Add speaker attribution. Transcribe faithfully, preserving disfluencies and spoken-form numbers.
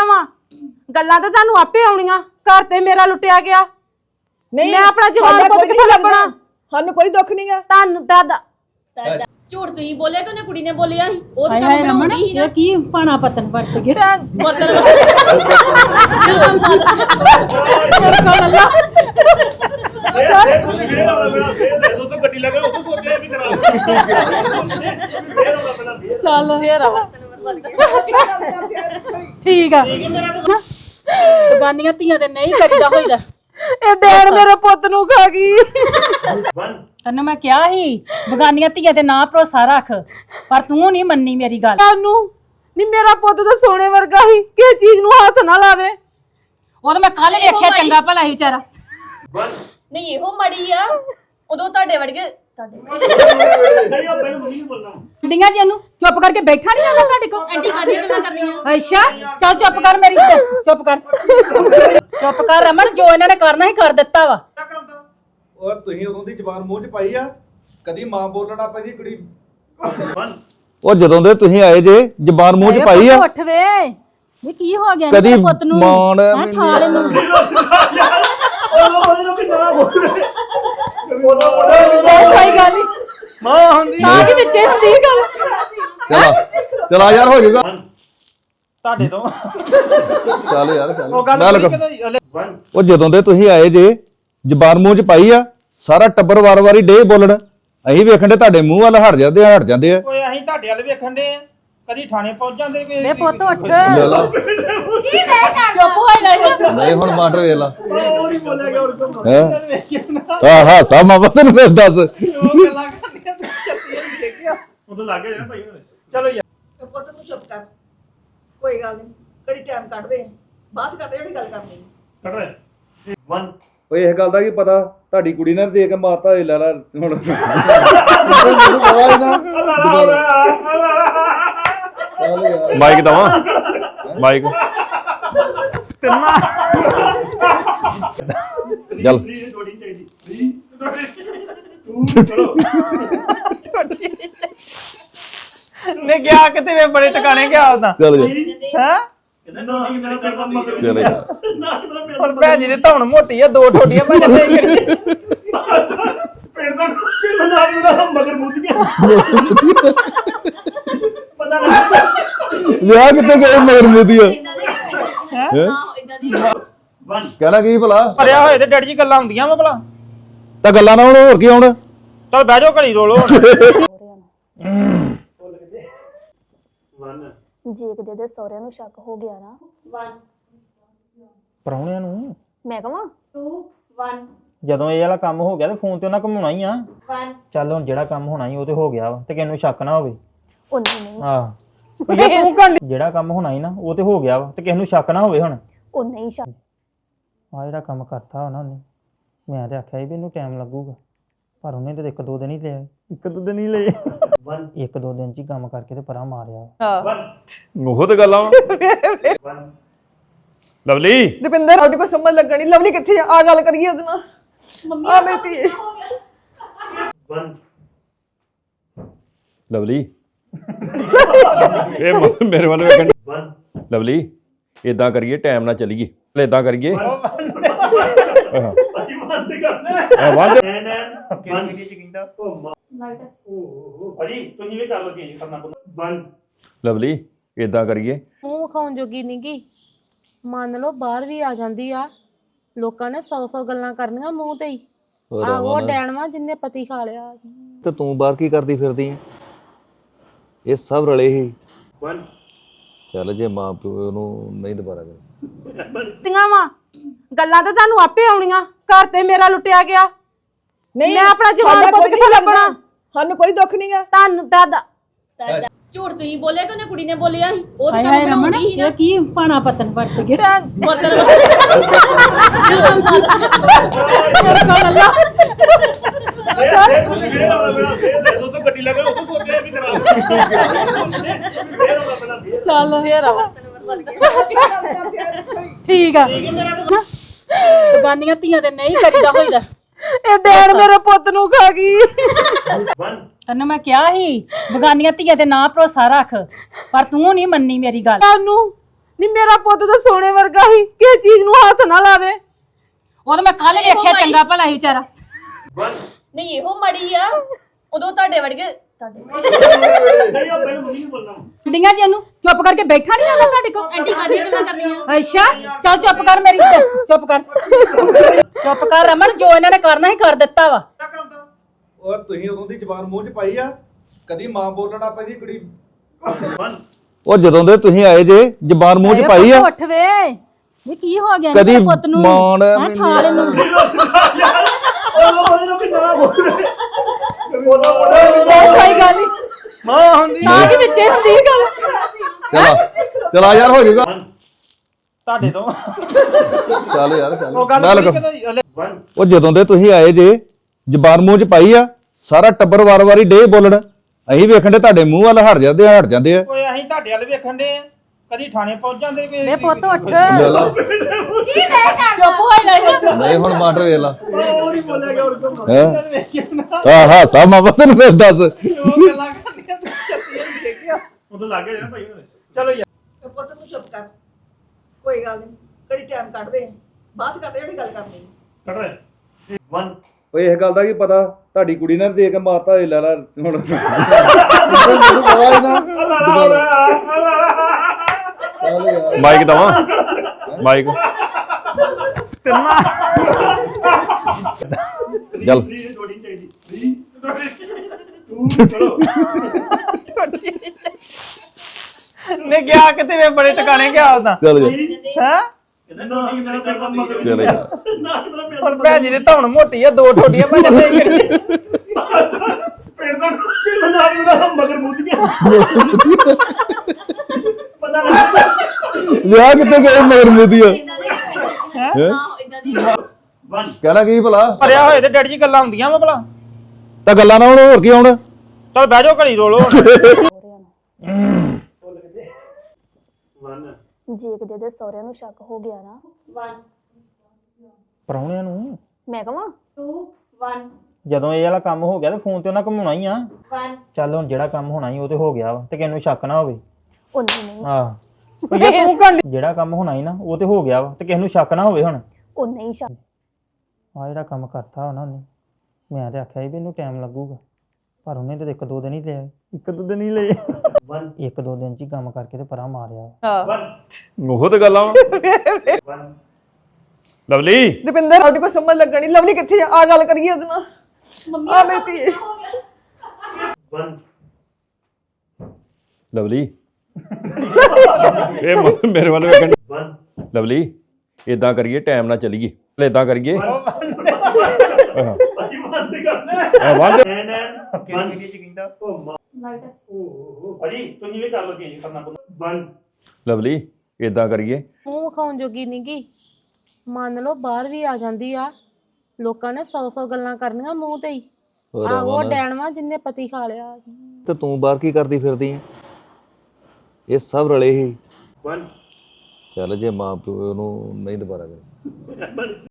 Speaker 1: ਦਿੱਤੀਆਂ ਵਾ ਗੱਲਾਂ ਤਾਂ ਤੁਹਾਨੂੰ ਆਪੇ ਆਉਣੀਆਂ। ਘਰ ਤੇ ਮੇਰਾ ਲੁੱਟਿਆ ਗਿਆ।
Speaker 2: ਨਹੀਂ
Speaker 1: ਮੈਂ ਆਪਣਾ ਜਵਾਨ ਪੁੱਤ ਕਿੱਥੇ ਲੱਭਣਾ?
Speaker 2: ਸਾਨੂੰ ਕੋਈ ਦੁੱਖ ਨਹੀਂਗਾ।
Speaker 1: ਤੁਹਾਨੂੰ ਦਾਦਾ
Speaker 3: ਝੂਠ ਤੁਸੀਂ ਬੋਲਿਆ ਕਿ ਉਹਨੇ ਕੁੜੀ ਨੇ ਬੋਲਿਆ ਸੀ? ਉਹ ਤਾਂ
Speaker 4: ਹਾਏ ਹਾਏ ਰਮਨ ਇਹ ਕੀ ਪਾਣਾ ਪਤਨ ਵਰਤ ਗਿਆ
Speaker 3: ਬਰਤਨ
Speaker 5: ਗੱਡੀ ਲੱਗੇ ਉਹ ਸੋਚਿਆ ਵੀ ਕਰਾ
Speaker 4: ਚੱਲ
Speaker 1: ਫੇਰ ਆਵਾ
Speaker 4: ਠੀਕ ਆ ਬਗਾਨੀਆਂ ਧੀਆਂ ਤੇ ਨਹੀਂ ਕਰੀਦਾ ਹੋਈਦਾ।
Speaker 1: ਇਹ ਡੈਣ ਮੇਰੇ ਪੁੱਤ ਨੂੰ ਖਾ ਗਈ।
Speaker 4: ਤੈਨੂੰ ਮੈਂ ਕਿਹਾ ਸੀ ਬਗਾਨੀਆਂ ਧੀਆਂ ਤੇ ਨਾ ਭਰੋਸਾ ਰੱਖ, ਪਰ ਤੂੰ ਨਹੀਂ ਮੰਨੀ ਮੇਰੀ ਗੱਲ।
Speaker 1: ਤੁਹਾਨੂੰ ਨਹੀਂ ਮੇਰਾ ਪੁੱਤ ਤਾਂ ਸੋਨੇ ਵਰਗਾ ਹੀ, ਕਿਸੇ ਚੀਜ਼ ਨੂੰ ਹੱਥ ਨਾ ਲਾਵੇ।
Speaker 4: ਉਹ ਤਾਂ ਮੈਂ ਕੱਲ ਵੇਖਿਆ ਚੰਗਾ ਭਲਾ ਹੀ ਵਿਚਾਰਾ।
Speaker 3: ਨਹੀਂ ਇਹੋ ਮੜੀ ਆ ਉਦੋਂ ਤੁਹਾਡੇ ਵਰਗੇ ਤੁਹਾਡੇ
Speaker 5: ਨਹੀਂ ਉਹ ਪਹਿਲਾਂ ਮੰਮੀ ਨੂੰ ਬੋਲਣਾ
Speaker 4: ਡੀਆਂ ਜੀ ਇਹਨੂੰ ਚੁੱਪ ਕਰਕੇ ਬੈਠਾ ਨਹੀਂ ਆਉਂਦਾ ਤੁਹਾਡੇ ਕੋਲ।
Speaker 3: ਐਂਟੀ ਕਾਦੀਆਂ ਗੱਲਾਂ ਕਰਨੀਆਂ?
Speaker 4: ਅੱਛਾ ਚੱਲ ਚੁੱਪ ਕਰ ਮੇਰੀ ਚੁੱਪ ਕਰ ਚੁੱਪ ਕਰ ਰਮਨ, ਜੋ ਇਹਨਾਂ ਨੇ ਕਰਨਾ ਹੀ ਕਰ ਦਿੱਤਾ ਵਾ।
Speaker 6: ਉਹ ਤੁਸੀਂ ਉਦੋਂ ਦੀ ਜ਼ਬਾਨ ਮੂੰਹ 'ਚ ਪਾਈ ਆ, ਕਦੀ ਮਾਂ ਬੋਲਣਾ ਪੈਂਦੀ ਕੁੜੀ। ਉਹ ਜਦੋਂ ਦੇ ਤੁਸੀਂ ਆਏ ਜੇ ਜ਼ਬਾਨ ਮੂੰਹ 'ਚ ਪਾਈ ਆ।
Speaker 4: ਉੱਠ ਵੇ ਇਹ ਕੀ ਹੋ ਗਿਆ
Speaker 6: ਕਦੀ
Speaker 4: ਮੇਰੇ ਪੁੱਤ ਨੂੰ?
Speaker 6: ਮਾਣ
Speaker 4: ਹੈਂ, ਠਾ ਲੈ ਨੂੰ ਕੋਈ ਗੱਲ ਨਹੀਂ
Speaker 5: ਮਾਂ ਹੁੰਦੀ
Speaker 4: ਤਾਂ ਕਿ ਵਿੱਚੇ ਹੁੰਦੀ ਗੱਲ।
Speaker 6: ਚਲਾ ਚਲਾ ਯਾਰ ਹੋ ਜਾਊਗਾ
Speaker 5: ਤੁਹਾਡੇ ਤੋਂ
Speaker 6: ਚੱਲ ਯਾਰ ਚੱਲ
Speaker 5: ਉਹ ਗੱਲ
Speaker 6: ਮੈਂ
Speaker 5: ਨਹੀਂ
Speaker 6: ਲੱਗਾ।
Speaker 5: ਕਦੋਂ
Speaker 6: ਉਹ ਜਦੋਂ ਦੇ ਤੁਸੀਂ ਆਏ ਜੇ ਜ਼ਬਾਨ ਮੂੰਹ 'ਚ ਪਾਈ ਆ, ਸਾਰਾ ਟੱਬਰ ਵਾਰ-ਵਾਰੀ ਡੇ ਬੋਲਣ। ਅਸੀਂ ਵੇਖਣ ਦੇ ਤੁਹਾਡੇ ਮੂੰਹ ਵੱਲ ਹਟ ਜਾਂਦੇ ਆ ਹਟ ਜਾਂਦੇ ਆ।
Speaker 5: ਓਏ ਅਸੀਂ ਤੁਹਾਡੇ ਵੱਲ ਵੇਖਣ ਦੇ ਕਦੀ ਥਾਣੇ ਪਹੁੰਚ ਜਾਂਦੇ ਕਿ
Speaker 4: ਵੇ ਪੁੱਤ ਉੱਠ
Speaker 6: ਲੈ ਲਾ
Speaker 4: ਕੀ ਮੈਂ ਕਰ ਚੁੱਪ ਹੋਈ ਲੈ
Speaker 6: ਨਹੀਂ ਹੁਣ ਮਾਸਟਰ ਵੇਖ ਲਾ
Speaker 5: ਉਹ ਨਹੀਂ ਬੋਲਿਆ ਗਿਆ ਹੋਰ ਕੋਈ
Speaker 6: ਹੈ ਆਹ ਹਾਂ ਤਾਂ ਮਾਂ ਬਤਨ ਫਿਰ ਦੱਸ।
Speaker 5: ਉਹ ਗੱਲਾਂ ਕਰਨੀਆਂ ਤੇ ਚੱਤੀ ਨਹੀਂ ਦੇਖਿਆ ਉਹ ਤਾਂ ਲੱਗ ਗਿਆ ਨਾ ਭਾਈ ਚਲੋ ਯਾਰ
Speaker 2: ਪੁੱਤ ਤੂੰ ਚੁੱਪ ਕਰ, ਕੋਈ ਗੱਲ ਨਹੀਂ, ਕਿਹੜੀ ਟਾਈਮ ਕੱਢਦੇ ਬਾਅਦ ਚ ਕਰਦੇ ਜਿਹੜੀ ਗੱਲ ਕਰਨੀ।
Speaker 5: ਕੱਢ ਰਹੇ ਵਨ
Speaker 6: ਓਏ ਇਹ ਗੱਲ ਦਾ ਕੀ ਪਤਾ, ਤੁਹਾਡੀ ਕੁੜੀ ਨੇ ਦੇ ਕੇ ਮਾਰਤਾ ਏ ਲੈ ਲਾ ਹੁਣ ਮੈਨੂੰ ਪਤਾ ਹੀ ਨਾ। ਚੱਲ ਯਾਰ
Speaker 7: ਮਾਈਕ ਦਵਾ ਮਾਈਕ
Speaker 6: ਚੱਲ
Speaker 5: ਥੋੜੀ ਚਾਹੀਦੀ ਤੂੰ ਚਲੋ ਨੇ ਗਿਆ ਕਿਤੇ ਵੇ ਬੜੇ ਟਿਕਾਣੇ ਗਿਆ ਉਹਦਾ
Speaker 6: ਚੱਲ ਜਾ
Speaker 5: ਹੈ
Speaker 6: ਚੱਲ ਯਾਰ
Speaker 5: ਹੁਣ ਭੈਣ ਜੀ ਦੇ ਧੌਣ ਮੋਟੀ ਆ, ਦੋ ਠੋਡੀਆਂ ਭੈਣ ਦੇ ਕਰੀ ਪਿੰਡ ਦਾ ਕਿੰਨਾ ਨਾਮ ਦਾ ਮਗਰ ਮੁੱਦੀਆਂ ਪਤਾ ਨਹੀਂ
Speaker 6: ਲਿਆ ਕਿੱਥੇ ਗਏ ਮਗਰ ਮੁਦੀਆ
Speaker 3: ਇਦਾਂ ਦੇ ਨਾ ਇਦਾਂ ਦੀ
Speaker 5: ਵਨ
Speaker 6: ਕਹਿਣਾ ਕੀ ਭਲਾ
Speaker 5: ਭਰਿਆ ਹੋਏ ਤੇ ਡੈਡੀ ਜੀ ਗੱਲਾਂ ਹੁੰਦੀਆਂ ਵਾ ਭਲਾ
Speaker 6: ਤਾਂ ਗੱਲਾਂ ਨਾ ਹੁਣ ਹੋਰ ਕੀ ਆਉਣ।
Speaker 5: ਚਲ ਬਹਿ ਜਾਓ ਘੜੀ ਰੋਲੋ ਵਨ
Speaker 8: ਜੇ ਕਿਤੇ ਦੇ ਸਹੁਰਿਆਂ ਨੂੰ ਸ਼ੱਕ ਹੋ ਗਿਆ ਨਾ
Speaker 5: ਪਰੌਣਿਆਂ ਨੂੰ
Speaker 8: ਮੈਂ ਕਹਾਂ
Speaker 5: ਜਦੋਂ ਇਹ ਵਾਲਾ ਕੰਮ ਹੋ ਗਿਆ ਤੇ ਫੋਨ ਤੇ ਉਹਨਾਂ ਘੁਮਾਉਣਾ ਹੀ ਆ। ਚੱਲ ਹੁਣ ਜਿਹੜਾ ਕੰਮ ਹੋਣਾ ਹੀ ਉਹ ਤੇ ਹੋ ਗਿਆ ਵਾ ਤੇ ਕਿਸੇ ਨੂੰ ਸ਼ੱਕ ਨਾ ਹੋਵੇ।
Speaker 8: ਉਹ ਨਹੀਂ ਨਹੀਂ
Speaker 5: ਆਹ ਜਿਹੜਾ ਕੰਮ ਹੋਣਾ ਹੀ ਨਾ ਉਹ ਤੇ ਹੋ ਗਿਆ ਵਾ ਤੇ ਕਿਸੇ ਨੂੰ ਸ਼ੱਕ ਨਾ ਹੋਵੇ। ਹੁਣ
Speaker 8: ਉਹ ਨਹੀਂ ਸ਼ੱਕ
Speaker 5: ਆ ਜਿਹੜਾ ਕੰਮ ਕਰਤਾ ਉਹਨਾਂ ਨੇ, ਮੈਂ ਤੇ ਆਖਿਆ ਸੀ ਵੀ ਇਹਨੂੰ ਟਾਈਮ ਲੱਗੂਗਾ, ਪਰ ਉਹਨੇ ਤੇ ਇੱਕ ਦੋ ਦਿਨ ਹੀ ਲਿਆ, ਇੱਕ ਦੋ ਦਿਨ ਹੀ ਲਏ। ਇੱਕ ਦੋ ਦਿਨ ਚ ਹੀ ਕੰਮ ਕਰਕੇ ਤੇ ਪਰਾਂ ਮਾਰਿਆ।
Speaker 7: ਉਹ ਤੇ ਗੱਲਾਂ ਵਾ ਲਵਲੀ
Speaker 2: ਰੁਪਿੰਦਰ ਸਾਡੀ ਕੋਈ ਸਮਝ ਲੱਗਣੀ। ਲਵਲੀ ਕਿੱਥੇ ਆ? ਆ ਗੱਲ ਕਰੀਏ ਉਹਦੇ ਨਾਲ।
Speaker 3: ਮੰਮੀ
Speaker 2: ਆ ਮੇਰੀ ਧੀ
Speaker 7: ਲਵਲੀ ਇਹ ਮ- ਮੇਰੇ ਵੱਲ ਵੇਖਣ ਲਵਲੀ ਇਦਾਂ ਕਰੀਏ ਟਾਈਮ ਨਾਲ ਚੱਲੀਏ ਇਦਾਂ ਕਰੀਏ ਆਹ ਵਾਹ ਲਵਲੀ ਇਦਾਂ ਕਰੀਏ
Speaker 1: ਮੂੰਹ ਖਾਉਣ ਜੋਗੀ ਨੀ ਗੀ। ਮੰਨ ਲਓ ਬਾਹਰ ਵੀ ਆ ਜਾਂਦੀ ਆ, ਲੋਕਾਂ ਨੇ ਸੌ ਸੌ ਗੱਲਾਂ ਕਰਨੀਆਂ ਮੂੰਹ ਤੇ ਹੀ। ਆ ਉਹ ਡੈਣਵਾ ਜਿੰਨੇ ਪਤੀ ਖਾ ਲਿਆ।
Speaker 6: ਤੇ ਤੂੰ ਬਾਹਰ ਕੀ ਕਰਦੀ ਫਿਰਦੀ ਹੈ? ਇਹ ਸਭ ਰਲੇ ਹੀ ਚੱਲ ਜੇ ਮਾਂ ਪਿਓ ਨੂੰ ਨਹੀਂ ਦੁਬਾਰਾ ਕਰ
Speaker 1: ਤੀਆਂ ਵਾ ਗੱਲਾਂ ਤਾਂ ਤੁਹਾਨੂੰ ਆਪੇ ਆਉਣੀਆਂ। ਘਰ ਤੇ ਮੇਰਾ ਲੁੱਟਿਆ ਗਿਆ।
Speaker 2: ਨਹੀਂ
Speaker 1: ਮੈਂ ਆਪਣਾ ਜਵਾਨ ਪੁੱਤ ਕਿੱਥੇ ਲੱਭਣਾ?
Speaker 2: ਸਾਨੂੰ ਕੋਈ ਦੁੱਖ ਨਹੀਂਗਾ।
Speaker 1: ਤੁਹਾਨੂੰ ਦਾਦਾ
Speaker 3: ਝੂਠ ਤੁਸੀਂ ਬੋਲਿਆ ਕਿ ਉਹਨੇ ਕੁੜੀ ਨੇ ਬੋਲਿਆ ਸੀ? ਉਹ ਤਾਂ
Speaker 4: ਹਾਏ ਹਾਏ
Speaker 3: ਕੰਮ
Speaker 4: ਰਮਨ
Speaker 3: ਬਣਾਉਂਦੀ ਸੀ ਨਾ।
Speaker 4: ਇਹ ਕੀ ਪਾਣਾ ਪਤਨ ਵਰਤ ਗਿਆ
Speaker 3: ਬਰਤਨ
Speaker 5: ਗੱਡੀ ਲੱਗੇ ਉਹ ਸੋਚਿਆ ਵੀ ਕਰਾ
Speaker 4: ਚੱਲ
Speaker 1: ਫੇਰ ਆਵਾ
Speaker 4: ਠੀਕ ਆ ਬਗਾਨੀਆਂ ਧੀਆਂ ਤੇ ਨਹੀਂ ਕਰੀਦਾ ਹੋਈਦਾ।
Speaker 1: ਇਹ ਡੈਣ ਮੇਰੇ ਪੁੱਤ ਨੂੰ ਖਾ ਗਈ।
Speaker 4: ਤੈਨੂੰ ਮੈਂ ਕਿਹਾ ਸੀ ਬਗਾਨੀਆਂ ਧੀਆਂ ਤੇ ਨਾ ਭਰੋਸਾ ਰੱਖ, ਪਰ ਤੂੰ ਨਹੀਂ ਮੰਨੀ ਮੇਰੀ ਗੱਲ।
Speaker 1: ਤੁਹਾਨੂੰ ਨਹੀਂ ਮੇਰਾ ਪੁੱਤ ਤਾਂ ਸੋਨੇ ਵਰਗਾ ਹੀ, ਕਿਸੇ ਚੀਜ਼ ਨੂੰ ਹੱਥ ਨਾ ਲਾਵੇ।
Speaker 4: ਉਹ ਤਾਂ ਮੈਂ ਕੱਲ ਵੇਖਿਆ ਚੰਗਾ ਭਲਾ ਸੀ ਵਿਚਾਰਾ।
Speaker 3: ਨਹੀਂ ਇਹੋ ਮੜੀ ਆ ਉਦੋਂ ਤੁਹਾਡੇ ਵਰਗੇ ਤੁਹਾਡੇ
Speaker 4: ਕੁੜੀਆਂ ਜੀ ਇਹਨੂੰ ਚੁੱਪ ਕਰਕੇ ਬੈਠਾ ਨਹੀਂ ਆਉਂਦਾ ਤੁਹਾਡੇ ਕੋਲ।
Speaker 3: ਐਂਟੀ ਕਾਦੀਆਂ ਗੱਲਾਂ ਕਰਨੀਆਂ।
Speaker 4: ਅੱਛਾ ਚੱਲ ਚੁੱਪ ਕਰ ਮੇਰੀ ਚੁੱਪ ਕਰ ਚੁੱਪ ਕਰ ਰਮਨ, ਜੋ ਇਹਨਾਂ ਨੇ ਕਰਨਾ ਹੀ ਕਰ ਦਿੱਤਾ ਵਾ।
Speaker 9: ਉਹ ਤੁਸੀਂ ਉਦੋਂ ਦੀ ਜ਼ਬਾਨ ਮੂੰਹ 'ਚ ਪਾਈ ਆ, ਕਦੀ ਮਾਂ ਬੋਲਣਾ ਪੈਂਦੀ ਕੁੜੀ।
Speaker 6: ਉਹ ਜਦੋਂ ਦੇ ਤੁਸੀਂ ਆਏ ਜੇ ਜ਼ਬਾਨ ਮੂੰਹ 'ਚ ਪਾਈ ਆ।
Speaker 4: ਪੁੱਤ ਉੱਠ ਵੇ, ਇਹ ਕੀ ਹੋ ਗਿਆ
Speaker 6: ਕਦੀ
Speaker 4: ਮੇਰੇ ਪੁੱਤ ਨੂੰ?
Speaker 6: ਮਾਂ ਨੇ
Speaker 4: ਹੈਂ, ਠਾ ਲੈਨੂੰ ਕੋਈ ਗੱਲ ਨਹੀਂ,
Speaker 5: ਮਾਂ ਹੁੰਦੀ
Speaker 4: ਤਾਂ ਕਿ ਵਿੱਚੇ ਹੁੰਦੀ ਸੀ ਗੱਲ।
Speaker 6: ਚਲਾ ਚਲਾ ਯਾਰ ਹੋ ਜਾਊਗਾ
Speaker 5: ਤੁਹਾਡੇ ਤੋਂ
Speaker 6: ਚੱਲ ਯਾਰ ਚੱਲ
Speaker 5: ਉਹ ਗੱਲ
Speaker 6: ਮੈਂ
Speaker 5: ਪੂਰੀ
Speaker 6: ਲੱਗਾ
Speaker 5: ਕਦੋਂ
Speaker 6: ਉਹ ਜਦੋਂ ਦੇ ਤੁਸੀਂ ਆਏ ਜੇ ਜ਼ਬਾਨ ਮੂੰਹ 'ਚ ਪਾਈ ਆ, ਸਾਰਾ ਟੱਬਰ ਵਾਰ-ਵਾਰੀ ਡੇ ਬੋਲਣ। ਅਸੀਂ ਵੇਖਣ ਦੇ ਤੁਹਾਡੇ ਮੂੰਹ ਵੱਲ ਹਟ ਜਾਂਦੇ ਆ ਹਟ ਜਾਂਦੇ ਆ।
Speaker 5: ਓਏ ਅਸੀਂ ਤੁਹਾਡੇ ਵੱਲ ਵੇਖਣ ਦੇ ਆ, ਕਦੀ ਥਾਣੇ ਪਹੁੰਚ ਜਾਂਦੇ ਕਿ
Speaker 4: ਵੇ ਪੁੱਤ ਉੱਠ,
Speaker 6: ਲੈ ਲਾ।
Speaker 4: ਚੁੱਪ ਹੋਈ ਨਹੀਂ।
Speaker 6: ਨਹੀਂ ਹੁਣ ਮਾਟਰ ਵੇਖ ਲਾ
Speaker 5: ਉਹ ਨਹੀਂ ਬੋਲਿਆ ਗਿਆ ਉਹ
Speaker 6: ਹੈ ਹਾਂ ਹਾਂ ਤਾਂ ਮਾਂ ਤੈਨੂੰ ਫਿਰ ਦੱਸ
Speaker 5: ਗੱਲਾਂ ਕਰਨੀਆਂ ਤੂੰ ਚੱਤੀਆਂ ਨਹੀਂ ਦੇਖਿਆ ਉਦੋਂ ਲੱਗ ਗਿਆ ਨਾ ਭਾਈ। ਚਲੋ ਯਾਰ
Speaker 2: ਤੇ ਪੁੱਤ ਨੂੰ ਚੁੱਪ ਕਰ, ਕੋਈ ਗੱਲ ਨਹੀਂ, ਕਦੀ ਟਾਈਮ ਕੱਢਦੇ ਆ, ਬਾਅਦ ਚ ਕਰਦੇ ਜਿਹੜੀ ਗੱਲ ਕਰਨੀ।
Speaker 5: ਕੱਢ ਰਹੇ ਵਨ
Speaker 6: ਓਏ ਇਹ ਗੱਲ ਦਾ ਕੀ ਪਤਾ, ਤੁਹਾਡੀ ਕੁੜੀ ਨੇ ਦੇ ਕੇ ਮਾਰਤਾ ਏ ਲੈ ਲੈ ਹੁਣ ਮੈਨੂੰ ਪਤਾ ਹੀ ਨਾ ਚੱਲ ਯਾਰ
Speaker 7: ਮਾਈਕ ਦਵਾ ਮਾਈਕ
Speaker 6: ਚੱਲ
Speaker 5: ਨੇ ਗਿਆ ਕਿਤੇ ਵੇ ਬੜੇ ਟਿਕਾਣੇ ਗਿਆ ਉਹਦਾ
Speaker 6: ਚੱਲ ਜਾ
Speaker 5: ਹੈ
Speaker 6: ਚੱਲ ਯਾਰ
Speaker 5: ਹੁਣ ਭੈਣ ਜੀ ਦੇ ਧੌਣ ਮੋਟੀ ਆ, ਦੋ ਠੋਡੀਆਂ ਭੈਣ ਜੀ ਕਰੀਏ ਪਿੰਡ ਦਾ ਨਾਲ ਦਾ ਮਗਰ ਮੁੱਦੀਆਂ ਪਤਾ ਨਹੀਂ
Speaker 6: ਵਿਆਹ ਕਿੱਥੇ ਗਏ ਮਗਰ ਮੋਦੀਆ
Speaker 3: ਨਾ ਇਦਾਂ ਦੀ
Speaker 6: ਕਹਿਣਾ ਕੀ ਭਲਾ
Speaker 5: ਭਰਿਆ ਹੋਏ ਤੇ ਡੈਡੀ ਜੀ ਗੱਲਾਂ ਹੁੰਦੀਆਂ ਵਾ ਭਲਾ।
Speaker 6: ਤਾਂ ਗੱਲਾਂ ਨਾ ਹੁਣ ਹੋਰ ਕੀ ਹੁਣ
Speaker 5: ਚਲ ਬਹਿ ਜਾਓ ਘੜੀ ਰੋਲੋ
Speaker 8: ਜੇ ਕਿਤੇ ਦੇ ਸਹੁਰਿਆਂ ਨੂੰ ਸ਼ੱਕ ਹੋ ਗਿਆ ਨਾ,
Speaker 5: ਪਰੌਣਿਆਂ ਨੂੰ
Speaker 8: ਮੈਂ ਕਹਾਂ
Speaker 5: ਜਦੋਂ ਇਹ ਵਾਲਾ ਕੰਮ ਹੋ ਗਿਆ ਤੇ ਫੋਨ ਤੇ ਉਹਨਾਂ ਘੁਮਾਉਣਾ ਹੀ ਆ। ਚੱਲ ਹੁਣ ਜਿਹੜਾ ਕੰਮ ਹੋਣਾ ਹੀ ਉਹ ਤੇ ਹੋ ਗਿਆ ਵਾ, ਤੇ ਕਿਸੇ ਨੂੰ ਸ਼ੱਕ ਨਾ ਹੋਵੇ।
Speaker 8: ਉਹ ਨਹੀਂ ਨਹੀਂ
Speaker 5: ਆਹ ਉਹ ਜੇ ਤੂੰ ਕਰ ਜਿਹੜਾ ਕੰਮ ਹੋਣਾ ਹੀ ਨਾ ਉਹ ਤੇ ਹੋ ਗਿਆ ਵਾ, ਤੇ ਕਿਸੇ ਨੂੰ ਸ਼ੱਕ ਨਾ ਹੋਵੇ ਹੁਣ।
Speaker 8: ਉਹ ਨਹੀਂ ਸ਼ੱਕ।
Speaker 5: ਆ ਜਿਹੜਾ ਕੰਮ ਕਰਤਾ ਉਹਨਾਂ ਨੇ, ਮੈਂ ਤੇ ਆਖਿਆ ਸੀ ਵੀ ਇਹਨੂੰ ਟਾਈਮ ਲੱਗੂਗਾ, ਪਰ ਉਹਨੇ ਤੇ ਇੱਕ ਦੋ ਦਿਨ ਹੀ ਲਿਆ, ਇੱਕ ਦੋ ਦਿਨ ਹੀ ਲਏ ਇੱਕ ਦੋ ਦਿਨ ਚ ਹੀ ਕੰਮ ਕਰਕੇ ਤੇ ਪਰਾਂ ਮਾਰਿਆ।
Speaker 7: ਉਹ ਤੇ ਗੱਲਾਂ ਵਾ ਲਵਲੀ
Speaker 2: ਰੁਪਿੰਦਰ ਸਾਡੀ ਕੋਈ ਸਮਝ ਲੱਗਣੀ, ਲਵਲੀ ਕਿੱਥੇ ਆ? ਆ ਗੱਲ ਕਰੀਏ ਉਹਦੇ ਨਾਲ। ਆ ਮੇਰੀ ਧੀ
Speaker 7: ਲਵਲੀ ਇਹ ਮ- ਮੇਰੇ ਵੱਲ ਵੇਖਣ ਲਵਲੀ ਇਦਾਂ ਕਰੀਏ ਟਾਈਮ ਨਾਲ ਚੱਲੀਏ ਇਦਾਂ ਕਰੀਏ ਆਹ ਵੰਡ ਲਵਲੀ ਇਦਾਂ ਕਰੀਏ
Speaker 1: ਮੂੰਹ ਵਿਖਾਉਣ ਜੋਗੀ ਨੀ ਗੀ, ਮੰਨ ਲਓ ਬਾਹਰ ਵੀ ਆ ਜਾਂਦੀ ਆ, ਲੋਕਾਂ ਨੇ ਸੌ ਸੌ ਗੱਲਾਂ ਕਰਨੀਆਂ ਮੂੰਹ ਤੇ ਹੀ। ਆ ਉਹ ਡੈਣਵਾ ਜਿੰਨੇ ਪਤੀ ਖਾ ਲਿਆ।
Speaker 6: ਤੇ ਤੂੰ ਬਾਹਰ ਕੀ ਕਰਦੀ ਫਿਰਦੀ ਹੈ? ਇਹ ਸਭ ਰਲੇ ਹੀ ਚੱਲ ਜੇ ਮਾਂ ਪਿਓ ਨੂੰ ਨਹੀਂ ਦੁਬਾਰਾ ਕਰ